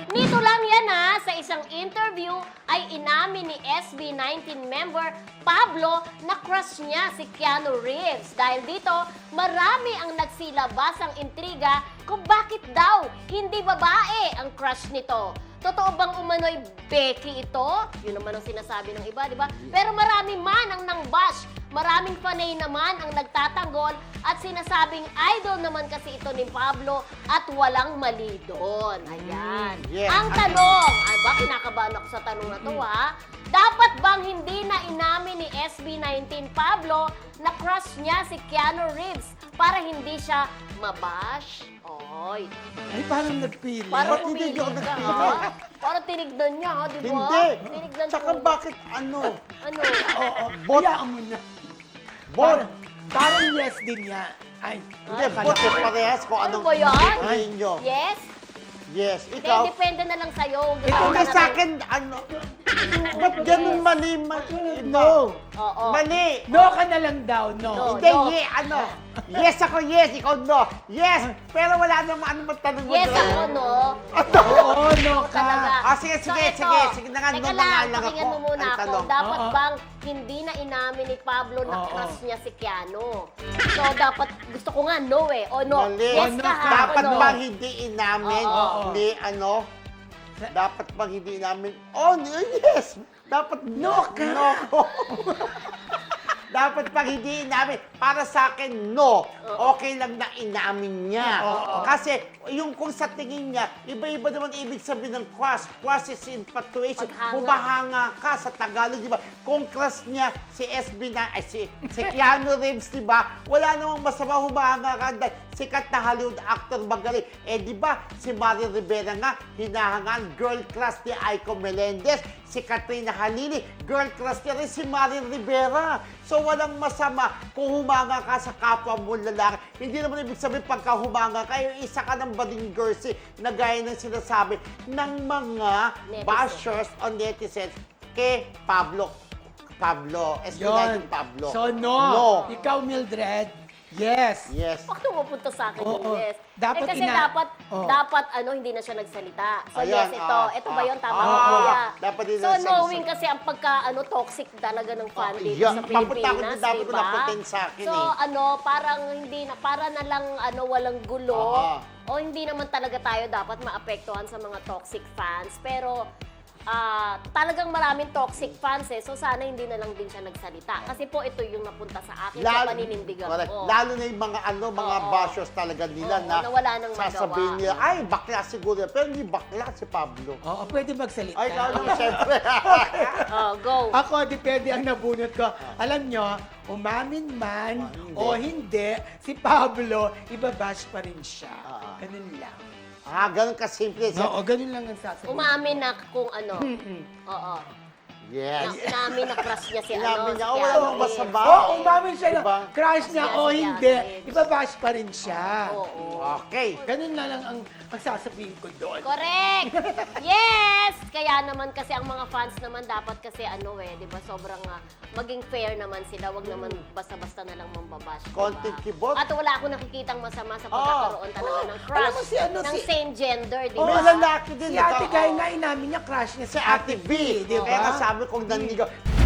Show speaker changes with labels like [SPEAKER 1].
[SPEAKER 1] Nito lang yan sa isang interview ay inamin ni SB19 member Pablo na crush niya si Keanu Reeves. Dahil dito, marami ang nagsilabasang intriga kung bakit daw hindi babae ang crush nito. Totoo bang umano'y Becky ito? Yun naman ang sinasabi ng iba, di ba? Pero marami man ang nang-bash. Maraming fanay naman ang nagtatanggol at sinasabing idol naman kasi ito ni Pablo at walang mali doon. Ayan.
[SPEAKER 2] Yes.
[SPEAKER 1] Ang tanong, ay ba, kinakabahan ako sa tanong na to dapat bang hindi na inamin ni SB19 Pablo na crush niya si Keanu Reeves para hindi siya mabash? Oy.
[SPEAKER 3] Ay, parang nagpili.
[SPEAKER 1] Parang
[SPEAKER 2] Ba't hindi
[SPEAKER 1] pumili
[SPEAKER 2] ako
[SPEAKER 1] ka,
[SPEAKER 2] nagpili?
[SPEAKER 1] ha? Parang tinignan niya, ha? Di ba?
[SPEAKER 2] Hindi.
[SPEAKER 1] Tinignan
[SPEAKER 2] Tsaka
[SPEAKER 1] ko.
[SPEAKER 2] bakit ano?
[SPEAKER 1] Ano?
[SPEAKER 3] Oo,
[SPEAKER 2] Bot.
[SPEAKER 3] hayaan mo na.
[SPEAKER 2] Bot.
[SPEAKER 3] Parang yes din niya. Ay,
[SPEAKER 2] Hindi,
[SPEAKER 3] akala
[SPEAKER 2] bot
[SPEAKER 3] ko-
[SPEAKER 2] parehas kung
[SPEAKER 1] Ano
[SPEAKER 2] anong
[SPEAKER 1] ba yan?
[SPEAKER 2] tingin nyo.
[SPEAKER 1] Yes?
[SPEAKER 2] Yes,
[SPEAKER 1] Hindi,
[SPEAKER 2] ikaw.
[SPEAKER 1] depende na lang sa'yo. Gusto
[SPEAKER 3] Ito
[SPEAKER 1] mo
[SPEAKER 2] Hindi
[SPEAKER 1] na
[SPEAKER 2] sa
[SPEAKER 1] rin.
[SPEAKER 2] akin, ano? Ba't ganun mali? Iba.
[SPEAKER 3] No.
[SPEAKER 1] Oo.
[SPEAKER 2] Mali.
[SPEAKER 3] No ka na lang daw, no.
[SPEAKER 1] No.
[SPEAKER 2] Hindi, ano? Yes ako, yes. Ikaw, no. Yes. Pero wala namang ano magtanong mo.
[SPEAKER 1] Yes
[SPEAKER 2] dyan.
[SPEAKER 1] ako, no?
[SPEAKER 3] Oo, no ka.
[SPEAKER 1] Talaga.
[SPEAKER 2] Sige,
[SPEAKER 1] So,
[SPEAKER 2] sige,
[SPEAKER 1] ito,
[SPEAKER 2] sige. Sige na nga,
[SPEAKER 1] teka
[SPEAKER 2] no na nga lang
[SPEAKER 1] pakinggan
[SPEAKER 2] ako.
[SPEAKER 1] mo muna
[SPEAKER 2] Ang
[SPEAKER 1] ako.
[SPEAKER 2] tanong.
[SPEAKER 1] Dapat
[SPEAKER 3] Oo.
[SPEAKER 1] bang hindi na inamin ni Pablo na
[SPEAKER 3] Oo.
[SPEAKER 1] crush niya si Keanu? So, dapat, gusto ko nga no O no?
[SPEAKER 2] Mali.
[SPEAKER 1] Yes
[SPEAKER 3] No
[SPEAKER 1] ka,
[SPEAKER 3] ka.
[SPEAKER 1] ha?
[SPEAKER 2] Dapat
[SPEAKER 1] O no?
[SPEAKER 2] bang hindi inamin
[SPEAKER 1] Oo.
[SPEAKER 2] ni ano? Dapat bang hindi inamin? Oh, yes! Dapat
[SPEAKER 3] No ka.
[SPEAKER 2] No. Dapat pag hindi inamin, para sa akin, no. Okay lang na inamin niya. Kasi yung kung sa tingin niya, iba-iba naman ibig sabihin ng crush. Crush is infatuation.
[SPEAKER 1] Paghanga.
[SPEAKER 2] Humahanga ka sa Tagalog, di ba? Kung crush niya si SB na, ay si Keanu Reeves, di ba? Wala namang masama humahanga ka dahil sikat na Hollywood actor magaling. Di ba, si Mario Rivera nga, hinahangaan, girl crush ni Aiko Melendez. Si Katrina Halili, girl crush niya rin si Mario Rivera. So walang masama kung humanga ka sa kapwa mo lalaki. Hindi naman ibig sabihin pagka humanga ka, yung isa ka ng bading girlsy na gaya ng sinasabi ng mga
[SPEAKER 1] Netizens.
[SPEAKER 2] bashers o netizens kay Pablo.
[SPEAKER 3] Yun.
[SPEAKER 2] Pablo.
[SPEAKER 3] So, no.
[SPEAKER 2] No.
[SPEAKER 3] Ikaw, Mildred, yes.
[SPEAKER 2] Yes.
[SPEAKER 1] Bakit pupunta sa akin yung
[SPEAKER 3] Oo.
[SPEAKER 1] yes?
[SPEAKER 3] Dapat
[SPEAKER 1] kasi
[SPEAKER 3] Oo.
[SPEAKER 1] dapat hindi na siya nagsalita. So
[SPEAKER 2] Ayan,
[SPEAKER 1] yes, ito. Ito ba yun? Tama ko
[SPEAKER 2] ah,
[SPEAKER 1] kuya.
[SPEAKER 2] dapat din
[SPEAKER 1] So
[SPEAKER 2] nasa-
[SPEAKER 1] knowing kasi ang pagka toxic talaga ng fan dito
[SPEAKER 2] yeah.
[SPEAKER 1] sa
[SPEAKER 2] Papunta ako
[SPEAKER 1] Pilipinas,
[SPEAKER 2] din, dapat
[SPEAKER 1] di
[SPEAKER 2] ko
[SPEAKER 1] ba?
[SPEAKER 2] napuntin sa akin
[SPEAKER 1] So parang hindi na, para na lang walang gulo.
[SPEAKER 2] Oo.
[SPEAKER 1] O hindi naman talaga tayo dapat maapektuhan sa mga toxic fans. Pero talagang maraming toxic fans so sana hindi na lang din siya nagsalita. Kasi po ito yung napunta sa akin sa paninindigan
[SPEAKER 2] correct.
[SPEAKER 1] ko.
[SPEAKER 2] Lalo na yung mga mga
[SPEAKER 1] Oo.
[SPEAKER 2] bashers talaga nila
[SPEAKER 1] Oo,
[SPEAKER 2] na
[SPEAKER 1] na wala nang
[SPEAKER 2] sasabihin
[SPEAKER 1] magawa.
[SPEAKER 2] nila, ay, bakla siguro. Pero hindi bakla si Pablo.
[SPEAKER 3] Oo, pwede magsalita.
[SPEAKER 2] Ay, ikaw naman, syempre.
[SPEAKER 1] Go.
[SPEAKER 3] Ako, depende ang nabunot ko. Alam nyo, umamin man o hindi, si Pablo, ibabash pa rin siya. Ganun lang.
[SPEAKER 2] Ganun kasimple.
[SPEAKER 3] Oo, ganun lang ang sasabihin.
[SPEAKER 1] Umamin na kung ano. Oo.
[SPEAKER 2] Yes.
[SPEAKER 1] Inamin na crush niya si
[SPEAKER 2] Inamin niya,
[SPEAKER 1] si
[SPEAKER 2] wala
[SPEAKER 1] Keanu
[SPEAKER 2] namang
[SPEAKER 1] Reeves.
[SPEAKER 2] masama.
[SPEAKER 3] Oo, umamin siya na
[SPEAKER 2] Diba?
[SPEAKER 3] crush niya
[SPEAKER 1] Yes,
[SPEAKER 3] o
[SPEAKER 1] yes,
[SPEAKER 3] hindi,
[SPEAKER 1] yes.
[SPEAKER 3] ibabash pa rin siya.
[SPEAKER 1] Oo.
[SPEAKER 2] Okay.
[SPEAKER 3] Ganun na lang ang sasabihin ko doon.
[SPEAKER 1] Correct! Yes! Kaya naman kasi ang mga fans naman dapat kasi di ba, sobrang maging fair naman sila. Wag naman basta-basta na lang mambabash.
[SPEAKER 2] Content kibot.
[SPEAKER 1] At wala akong nakikitang masama sa pagkakaroon talaga ng crush.
[SPEAKER 3] Alam mo si
[SPEAKER 1] ng same gender, di
[SPEAKER 2] May
[SPEAKER 1] ba?
[SPEAKER 2] lalaki din.
[SPEAKER 3] Si Ate Guy na inamin niya, crush niya
[SPEAKER 2] Si Ate B.
[SPEAKER 3] di
[SPEAKER 2] Kaya
[SPEAKER 3] ba?
[SPEAKER 2] kasabi kong nanligaw.